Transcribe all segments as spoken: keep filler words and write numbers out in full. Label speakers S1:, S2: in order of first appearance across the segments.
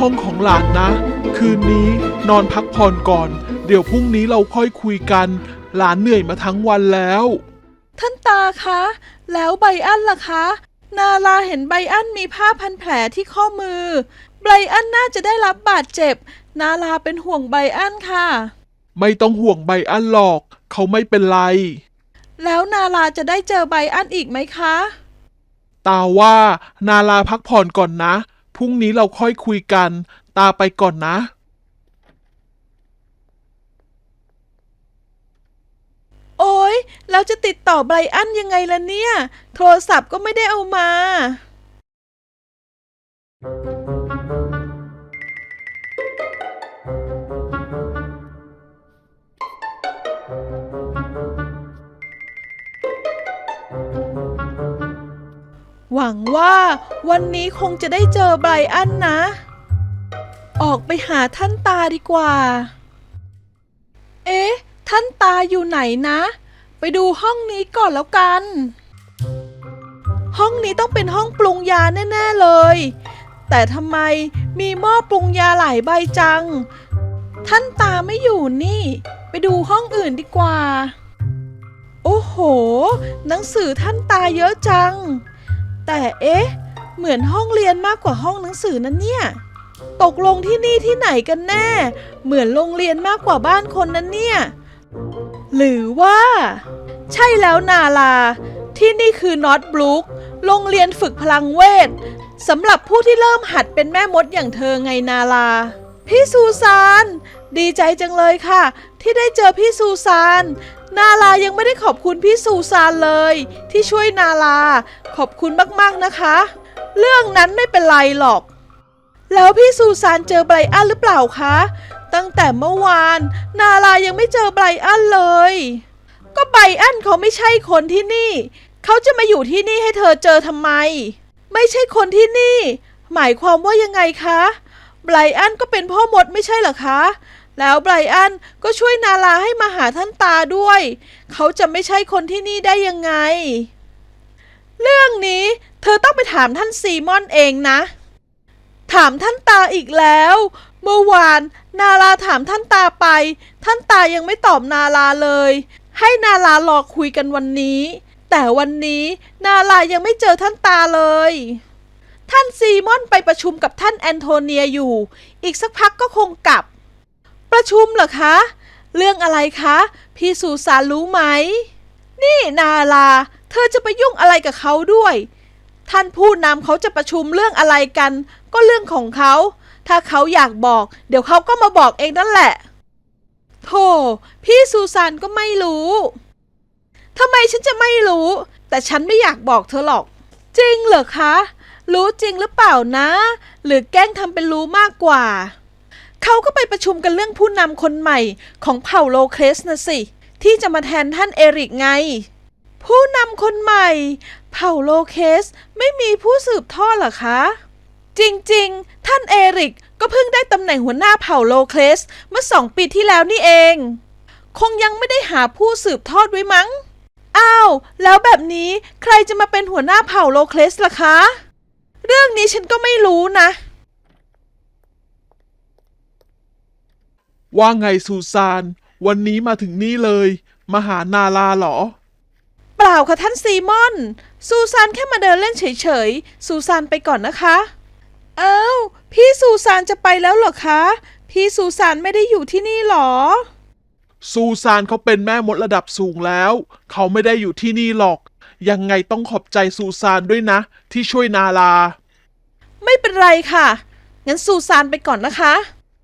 S1: ห้องของหลานนะคืนนี้นอนพักผ่อนก่อนเดี๋ยวพรุ่งนี้เราค่อยคุยกันหลานเหนื่อยมาทั้งวันแล้ว
S2: ท่านตาคะแล้วไบอันล่ะคะนาลาเห็นไบอันมีผ้าพันแผลที่ข้อมือไบอันน่าจะได้รับบาดเจ็บนาลาเป็นห่วงไบอันค่ะ
S1: ไม่ต้องห่วงไบอันหรอกเขาไม่เป็นไร
S2: แล้วนาลาจะได้เจอไบอันอีกไหมคะ
S1: ตาว่านาลาพักผ่อนก่อนนะพรุ่งนี้เราค่อยคุยกันตาไปก่อนนะ
S2: โอ๊ยแล้วจะติดต่อไบรอันยังไงล่ะเนี่ยโทรศัพท์ก็ไม่ได้เอามาหวังว่าวันนี้คงจะได้เจอไบรอันนะออกไปหาท่านตาดีกว่าเอ๊ะท่านตาอยู่ไหนนะไปดูห้องนี้ก่อนแล้วกันห้องนี้ต้องเป็นห้องปรุงยาแน่ๆเลยแต่ทำไมมีหม้อปรุงยาหลายใบจังท่านตาไม่อยู่นี่ไปดูห้องอื่นดีกว่าโอ้โหหนังสือท่านตาเยอะจังแต่เอ๊ะเหมือนห้องเรียนมากกว่าห้องหนังสือนั่นเนี่ยตกลงที่นี่ที่ไหนกันแน่เหมือนโรงเรียนมากกว่าบ้านคนนั้นเนี่ยหรือว่าใช่แล้วนาลาที่นี่คือนอตบลูคโรงเรียนฝึกพลังเวทสำหรับผู้ที่เริ่มหัดเป็นแม่มดอย่างเธอไงนาลาพี่ซูซานดีใจจังเลยค่ะที่ได้เจอพี่ซูซานนาลายังไม่ได้ขอบคุณพี่ซูซานเลยที่ช่วยนาลาขอบคุณมากๆนะคะเรื่องนั้นไม่เป็นไรหรอกแล้วพี่ซูซานเจอไบรอันหรือเปล่าคะตั้งแต่เมื่อวานนาลายังไม่เจอไบรอันเลยก็ไบรอันเขาไม่ใช่คนที่นี่เขาจะมาอยู่ที่นี่ให้เธอเจอทำไมไม่ใช่คนที่นี่หมายความว่ายังไงคะไบรอันก็เป็นพ่อมดไม่ใช่เหรอคะแล้วไบรอันก็ช่วยนาลาให้มาหาท่านตาด้วยเขาจะไม่ใช่คนที่นี่ได้ยังไงเรื่องนี้เธอต้องไปถามท่านซีมอนเองนะถามท่านตาอีกแล้วเมื่อวานนาลาถามท่านตาไปท่านตายังไม่ตอบนาลาเลยให้นาลารอคุยกันวันนี้แต่วันนี้นาลายังไม่เจอท่านตาเลยท่านซีมอนไปประชุมกับท่านแอนโทเนียอยู่อีกสักพักก็คงกลับประชุมเหรอคะเรื่องอะไรคะพี่ซูซานรู้ไหมนี่นาลาเธอจะไปยุ่งอะไรกับเขาด้วยท่านผู้นำเขาจะประชุมเรื่องอะไรกันก็เรื่องของเขาถ้าเขาอยากบอกเดี๋ยวเขาก็มาบอกเองนั่นแหละโธ่พี่ซูซานก็ไม่รู้ทำไมฉันจะไม่รู้แต่ฉันไม่อยากบอกเธอหรอกจริงเหรอคะรู้จริงหรือเปล่านะหรือแกล้งทำเป็นรู้มากกว่าเขาก็ไปประชุมกันเรื่องผู้นำคนใหม่ของเผ่าโลเคสนะสิที่จะมาแทนท่านเอริกไงผู้นำคนใหม่เผ่าโลเคสไม่มีผู้สืบทอดเหรอคะจริงๆท่านเอริกก็เพิ่งได้ตำแหน่งหัวหน้าเผ่าโลเคสเมื่อสองปีที่แล้วนี่เองคงยังไม่ได้หาผู้สืบทอดไว้มั้งอ้าวแล้วแบบนี้ใครจะมาเป็นหัวหน้าเผ่าโลเคสล่ะคะเรื่องนี้ฉันก็ไม่รู้นะ
S1: ว่าไงซูซานวันนี้มาถึงนี่เลยมาหานาลาเหรอ
S2: เปล่าค่ะท่านซีมอนซูซานแค่มาเดินเล่นเฉยๆซูซานไปก่อนนะคะอ้าวพี่ซูซานจะไปแล้วเหรอคะพี่ซูซานไม่ได้อยู่ที่นี่หรอ
S1: ซูซานเขาเป็นแม่มดระดับสูงแล้วเขาไม่ได้อยู่ที่นี่หรอกยังไงต้องขอบใจซูซานด้วยนะที่ช่วยนาลา
S2: ไม่เป็นไรค่ะงั้นซูซานไปก่อนนะคะ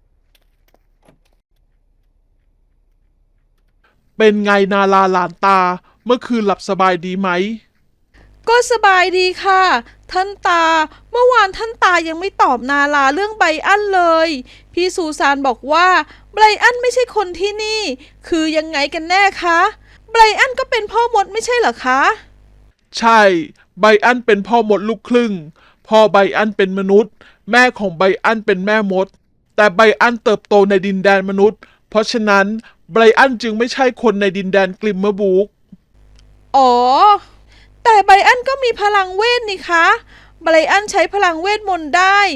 S1: เป็นไงนาลาหลานตาเมื่อคืนหลับสบายดีไหม
S2: ก็สบายดีค่ะท่านตาเมื่อวานท่านตายังไม่ตอบนาลาเรื่องไบรอันเลยพี่ซูซานบอกว่าไบรอันไม่ใช่คนที่นี่คือยังไงกันแน่คะไบรอันก็เป็นพ่อมดไม่ใช่เหรอคะ
S1: ใช่ไบรอันเป็นพ่อมดลูกครึ่งพ่อไบรอันเป็นมนุษย์แม่ของไบรอันเป็นแม่มดแต่ไบรอันเติบโตในดินแดนมนุษย์เพราะฉะนั้นไบรอันจึงไม่ใช่คนในดินแดนกลิมเมอร์บูค
S2: อ๋อแต่ไบรอันก็มีพลังเวทนี่คะไบรอันใช้พลังเวทมนต์ได้ไบ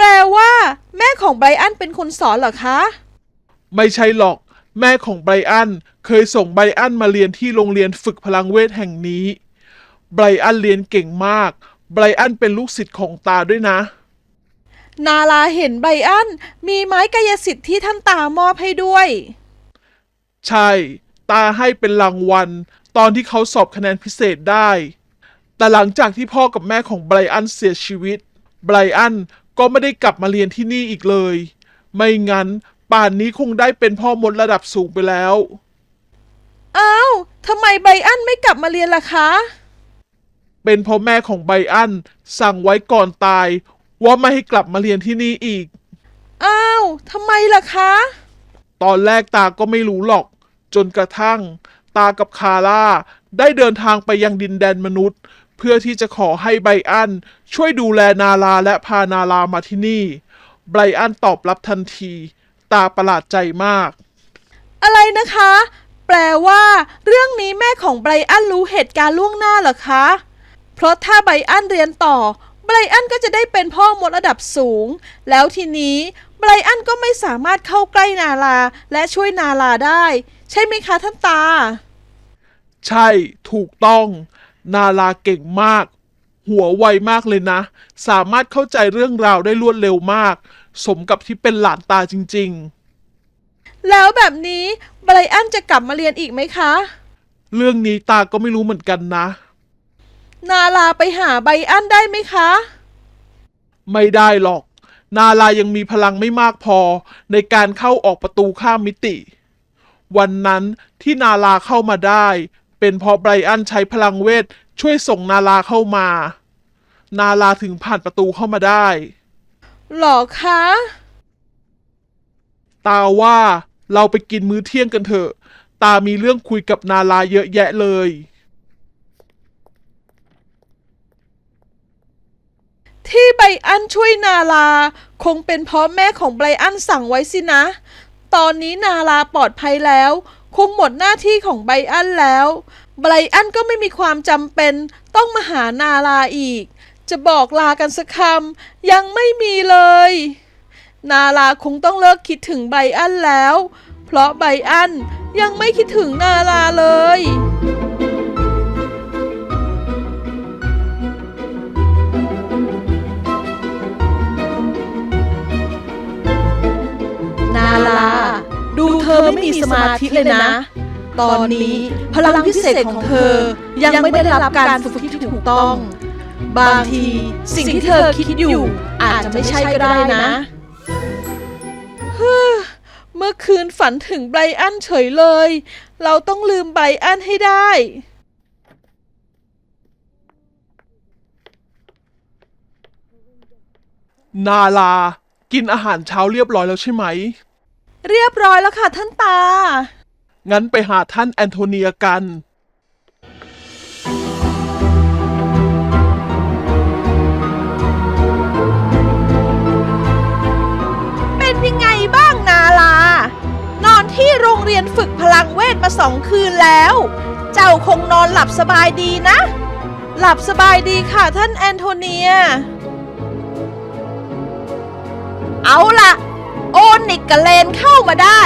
S2: แปลว่า แม่ของไบรอันเป็นคนสอนเหรอคะ
S1: ไม่ใช่หรอกแม่ของไบรอันเคยส่งไบรอันมาเรียนที่โรงเรียนฝึกพลังเวทแห่งนี้ไบรอันเรียนเก่งมากไบรอันเป็นลูกศิษย์ของตาด้วยนะ
S2: นาลาเห็นไบรอันมีไม้กายสิทธิ์ที่ท่านตามอบให้ด้วย
S1: ใช่ตาให้เป็นรางวัลตอนที่เขาสอบคะแนนพิเศษได้แต่หลังจากที่พ่อกับแม่ของไบรอันเสียชีวิตไบรอันก็ไม่ได้กลับมาเรียนที่นี่อีกเลยไม่งั้นป่านนี้คงได้เป็นพ่อมดระดับสูงไปแล้ว
S2: อ้าวทำไมไบรอันไม่กลับมาเรียนล่ะคะ
S1: เป็นเพราะแม่ของไบรอันสั่งไว้ก่อนตายว่าไม่ให้กลับมาเรียนที่นี่อีก
S2: อ้าวทำไมล่ะคะ
S1: ตอนแรกตาก็ไม่รู้หรอกจนกระทั่งตากับคาร่าได้เดินทางไปยังดินแดนมนุษย์เพื่อที่จะขอให้ไบรอันช่วยดูแลนาลาและพานาลามาที่นี่ไบรอันตอบรับทันทีตาประหลาดใจมาก
S2: อะไรนะคะแปลว่าเรื่องนี้แม่ของไบรอันรู้เหตุการณ์ล่วงหน้าเหรอคะเพราะถ้าไบรอันเรียนต่อไบรอันก็จะได้เป็นพ่อมดระดับสูงแล้วทีนี้ไบรอันก็ไม่สามารถเข้าใกล้นาลาและช่วยนาลาได้ใช่ไหมคะท่านตา
S1: ใช่ถูกต้องนาลาเก่งมากหัวไวมากเลยนะสามารถเข้าใจเรื่องราวได้รวดเร็วมากสมกับที่เป็นหลานตาจริง
S2: ๆแล้วแบบนี้ไบรอันจะกลับมาเรียนอีกไหมคะ
S1: เรื่องนี้ตาก็ไม่รู้เหมือนกันนะ
S2: นาลาไปหาไบรอันได้ไหมคะ
S1: ไม่ได้หรอกนาลายังมีพลังไม่มากพอในการเข้าออกประตูข้ามมิติวันนั้นที่นาลาเข้ามาได้เป็นเพราะไบรอันใช้พลังเวทช่วยส่งนาลาเข้ามานาลาถึงผ่านประตูเข้ามาได้
S2: หรอคะ
S1: ตาว่าเราไปกินมื้อเที่ยงกันเถอะตามีเรื่องคุยกับนาลาเยอะแยะเลย
S2: ที่ไบรอันช่วยนาลาคงเป็นเพราะแม่ของไบรอันสั่งไว้สินะตอนนี้นาลาปลอดภัยแล้วคงหมดหน้าที่ของไบรอันแล้วไบรอันก็ไม่มีความจำเป็นต้องมาหานาลาอีกจะบอกลากันสักคำยังไม่มีเลยนาลาคงต้องเลิกคิดถึงไบรอันแล้วเพราะไบรอันยังไม่คิดถึงนาลาเลยนาลาดูเธอไม่มีสมาธิเลยนะตอนนี้พลังพิเศษของเธอยังไม่ได้รับการฝึกที่ถูกต้องบางทีสิ่งที่เธอคิดอยู่อาจจะไม่ใช่ก็ได้นะเมื่อคืนฝันถึงไบรอันเฉยเลยเราต้องลืมไบรอันให้ได้
S1: นาลากินอาหารเช้าเรียบร้อยแล้วใช่ไหม
S2: เรียบร้อยแล้วค่ะท่านตา
S1: งั้นไปหาท่านแอนโทเนียกัน
S2: เป็นยังไงบ้างนาลานอนที่โรงเรียนฝึกพลังเวทมาสองคืนแล้วเจ้าคงนอนหลับสบายดีนะหลับสบายดีค่ะท่านแอนโทเนียเอาล่ะโอนิกกับเลนเข้ามาได้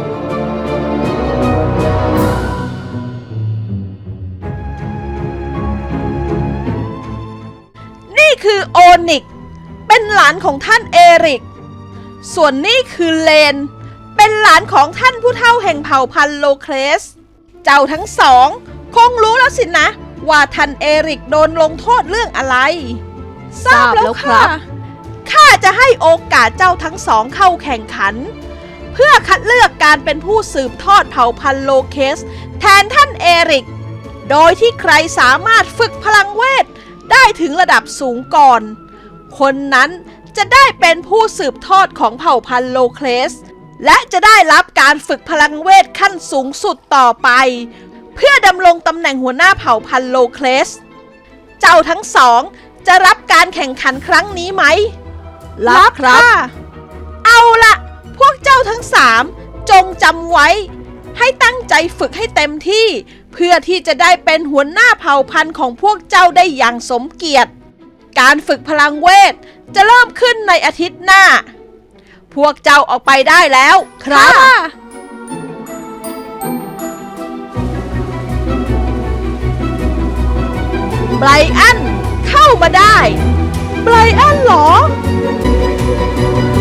S2: นี่คือโอนิกเป็นหลานของท่านเอริกส่วนนี่คือเลนเป็นหลานของท่านผู้เฒ่าแห่งเผ่าพันธุ์โลเคลสเจ้าทั้งสองคงรู้แล้วสินะว่าท่านเอริกโดนลงโทษเรื่องอะไรทราบแล้วครับข้าจะให้โอกาสเจ้าทั้งสองเข้าแข่งขันเพื่อคัดเลือกการเป็นผู้สืบทอดเผ่าพันธุ์โลเคสแทนท่านเอริกโดยที่ใครสามารถฝึกพลังเวทได้ถึงระดับสูงก่อนคนนั้นจะได้เป็นผู้สืบทอดของเผ่าพันธุ์โลเคสและจะได้รับการฝึกพลังเวทขั้นสูงสุดต่อไปเพื่อดำรงตำแหน่งหัวหน้าเผ่าพันธุ์โลเคสเจ้าทั้งสองจะรับการแข่งขันครั้งนี้ไหมรับครับเอาละพวกเจ้าทั้งสามจงจำไว้ให้ตั้งใจฝึกให้เต็มที่เพื่อที่จะได้เป็นหัวหน้าเผ่าพันธุ์ของพวกเจ้าได้อย่างสมเกียรติการฝึกพลังเวทจะเริ่มขึ้นในอาทิตย์หน้า พวกเจ้าออกไปได้แล้วครับไบรอันเข้ามาได้ไบรอันเหรอ